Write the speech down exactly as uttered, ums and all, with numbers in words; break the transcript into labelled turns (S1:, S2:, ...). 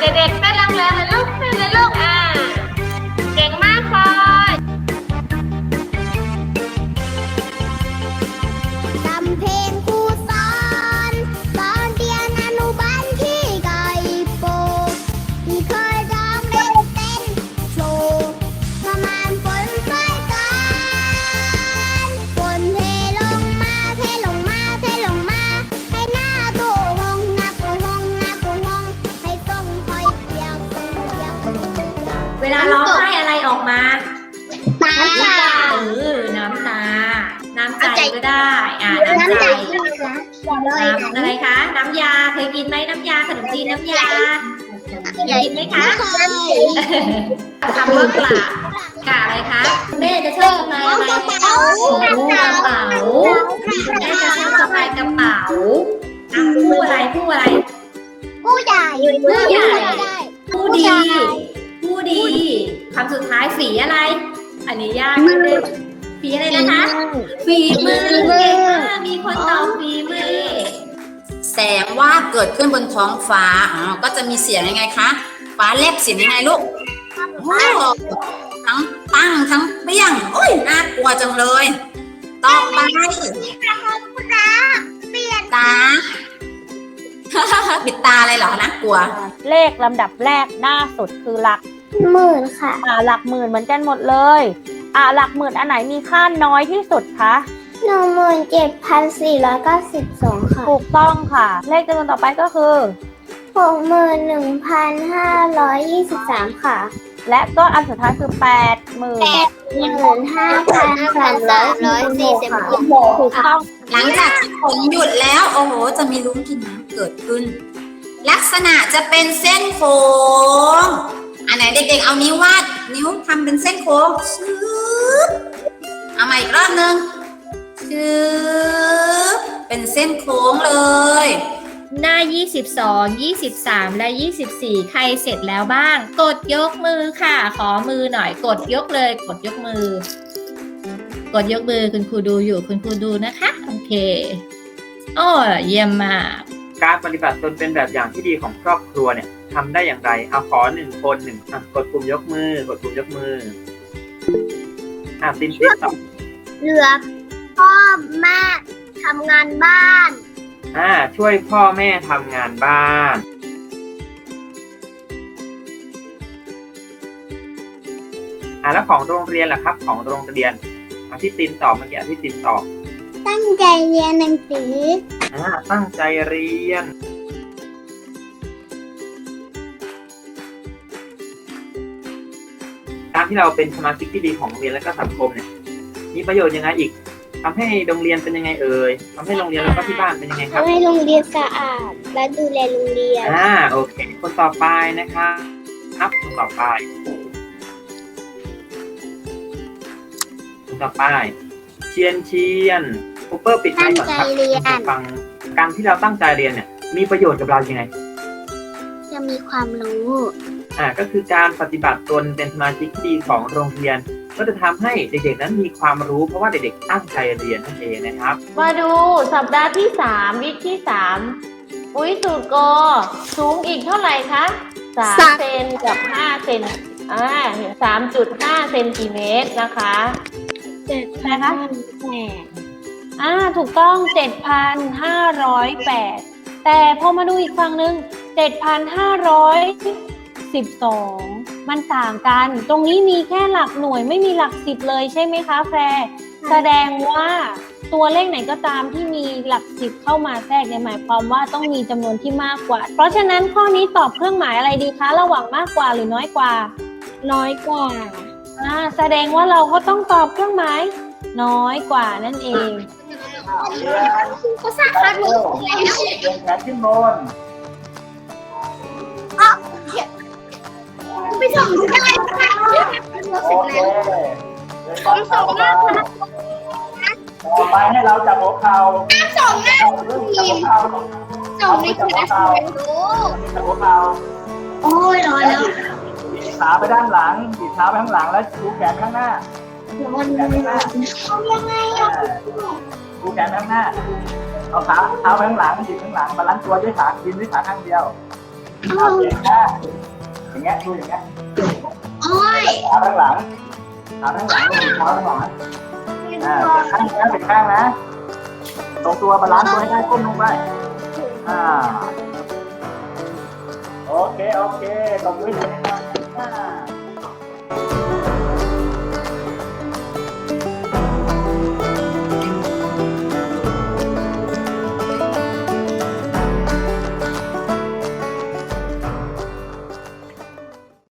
S1: เด็กๆเต้นแรงๆเลยลูกเต้นเลยลูกอ่าเก่งมากพลอย
S2: จำเพลงครูสอนตอนเรียนอนุบาลที่ไก่โปที่เคยร้องเล่นเต้นโชว์ประมาณฝนใส่กันฝนเทลงมาเทลงมาเทลงมาให้หน้าโตหงหน้าโตหงหน้าโตหงให้ส่งคอยเปียกส่งเปียก
S1: เวลาร้องไห้อะไรออกมา
S2: น้ำตา
S1: เออน้ำตาน้ำใจก็ได้อ่าน้ำใจน้ำอะไรคะน้ำยาเคยกินไหมน้ำยาขนมจีนน้ำยาเคยกินไหมคะคำว่ากะกะอะไรคะแม่จะชอบสะพายอะไรกระเป๋ากระเป๋าแม่จะชอบสะพายกระเป๋าอ่ะผู้อะไรผู้อะไร
S2: ผู้ใหญ่
S1: ผู้ใหญ่ผู้ดีผู้ดีคำสุดท้ายฝีอะไร อันนี้ยากนิดนึงฝีอะไรนะคะฝีมือเก่งมากมีคนตอบฝีมือ
S3: แสงวาดเกิดขึ้นบนท้องฟ้าอ๋อก็จะมีเสียงยังไงคะฟ้าแลบเสียงยังไงลูกโอ้ทั้งตั้งทั้งเปี้ยงโอ้ยน่ากลัวจังเลยต่อไปตา ปิดตาอะไรเหรอนะกลัว
S4: เลขลำดับแรกหน้าสุดคือหลัก
S2: หมื่นค่ะ
S4: อ่าหลักหมื่นเหมือนกันหมดเลยอ่าหลักหมื่นอันไหนมีค่าน้อยที่สุดคะ
S2: หนึ่งหมื่นเจ็ดพันสี่ร้อยเก้าสิบสองค่ะ
S4: ถูกต้องค่ะ เลขจำนวนต่อไปก็คือ
S2: หกหมื่นหนึ่งพันห้าร้อยยี่สิบสามค่ะ
S4: และก็อันสุดท้ายคือแปดหมื่น
S2: หมื่นห้าพันสามร้อยสี่สิบหก
S4: ถูกต้อง
S3: หลังจากที่ฝนหยุดแล้วโอ้โหจะมีลุ้งกินน้ำเกิดขึ้น ลักษณะจะเป็นเส้นโค้งอันไหนเด็กๆเอานิ้ววาดนิ้วทำเป็นเส้นโค้งชืบเอาใหม่อีกรอบนึงชืบเป็นเส้นโค้งเลย
S1: หน้ายี่สิบสอง ยี่สิบสาม และ ยี่สิบสี่ ใครเสร็จแล้วบ้าง กดยกมือค่ะ ขอมือหน่อย กดยกเลย กดยกมือ กดยกมือคุณครูดูอยู่ คุณครูดูนะคะ โอเค โอ้เยี่ยมมาก
S5: การปฏิบัติตนเป็นแบบอย่างที่ดีของครอบครัวเนี่ยทำได้อย่างไรเอาขอหนึ่งคนหนึ่งอ่ะกดปุ่มยกมือกดปุ่มยกมืออ่ะตินตินตอบ
S2: เหลือพ่อแม่ทำงานบ้าน
S5: อ่าช่วยพ่อแม่ทำงานบ้านอ่าแล้วของโรงเรียนล่ะครับของโรงเรียนอาที่ตินตอบเมื่อกี้ที่ตินตอบ
S2: ตั้งใจเรียนหนังสือ
S5: อ่าตั้งใจเรียนการที่เราเป็นสมาชิกที่ดีของโรงเรียนและก็สังคมเนี่ยมีประโยชน์ยังไงอีกทำให้โรงเรียนเป็นยังไงเอ่ยทำให้โรงเรียนแล้วก็ที่บ้านเป็นยังไงครับ
S2: ทำให้โรงเรียนสะอาดและดูแลโรงเรียน
S5: อ่าโอเคคนต่อไปนะครับครับคนต่อไปคนต่อไปเชียนเชียนคูเปอร์ปิดไมค์ก่อนครับ
S2: ตั้งใจเรียน
S5: ฟังการที่เราตั้งใจเรียนเนี่ยมีประโยชน์กับเรายังไง
S2: จะมีความรู้
S5: อ่าก็คือการปฏิบัติตนเป็นสมาชิกที่ดีของโรงเรียนก็จะทำให้เด็กๆนั้นมีความรู้เพราะว่าเด็กๆตั้งใจเรียนนั่นเองนะครับ
S4: มาดูสัปดาห์ที่สามวิคที่สามปุ๋ยสูตรกอสูงอีกเท่าไหร่คะสาม
S2: สาม
S4: เซนกับห้าเซนอ่าสามจุดห้าเซนติเมตรนะคะ
S2: เจ็ด
S4: นะคะ
S2: แปด
S4: อ่าถูกต้อง เจ็ดพันห้าร้อยแปด แต่พอมาดูอีกฝั่งหนึ่ง เจ็ดพันห้าร้อยสิบสอง มันต่างกัน ตรงนี้มีแค่หลักหน่วยไม่มีหลักสิบเลยใช่ไหมคะแฟร์แสดงว่าตัวเลขไหนก็ตามที่มีหลักสิบเข้ามาแทรกเนี่ยหมายความว่าต้องมีจำนวนที่มากกว่า เพราะฉะนั้นข้อนี้ตอบเครื่องหมายอะไรดีคะ ระหว่างมากกว่าหรือน้อยกว่า
S2: น้อยกว่า
S4: อ่าแสดงว่าเราก็ต้องตอบเครื่องหมายน้อยกว่านั่นเอง
S2: เขาสร้างคาดหวังแล้ว
S5: แขนขึ้นบน
S2: ไปส่งได้ค่ะ
S5: โอเค
S2: ผมส่งหน้าค่ะ
S5: ต่อไปให้เราจับหัวเข่า
S2: ส่งหน้า
S5: จับ
S2: ทีม
S5: หัวเข่า
S2: ส่งในคลาสรู้
S5: จับหัวเข่า
S2: โอ้ยร้อนแล้ว
S5: บีบขาไปด้านหลังบีบเท้าไปข้างหลังแล้วชูแขนข้างหน้า
S2: ร้อนแล้วทำยังไงอ่ะ
S5: ชูแขนข้างหน้าเอาขาเท้าไปข้างหลังบีบข้างหลังบาลานซ์ตัวด้วยขากินด้วยขาข้างเดียวเอาเสียงข้างอย่างเงี้ยดูอย่างเงี้ย
S2: โอ้ย
S5: ขาข้างหลังขาข้างหลังดูเท้าข้างหลังอ่าเสียงข้างนะเสียงข้างนะตรงตัวบาลานซ์ตัวให้ได้ก้มลงไปอ่าโอเคโอเคตบมือ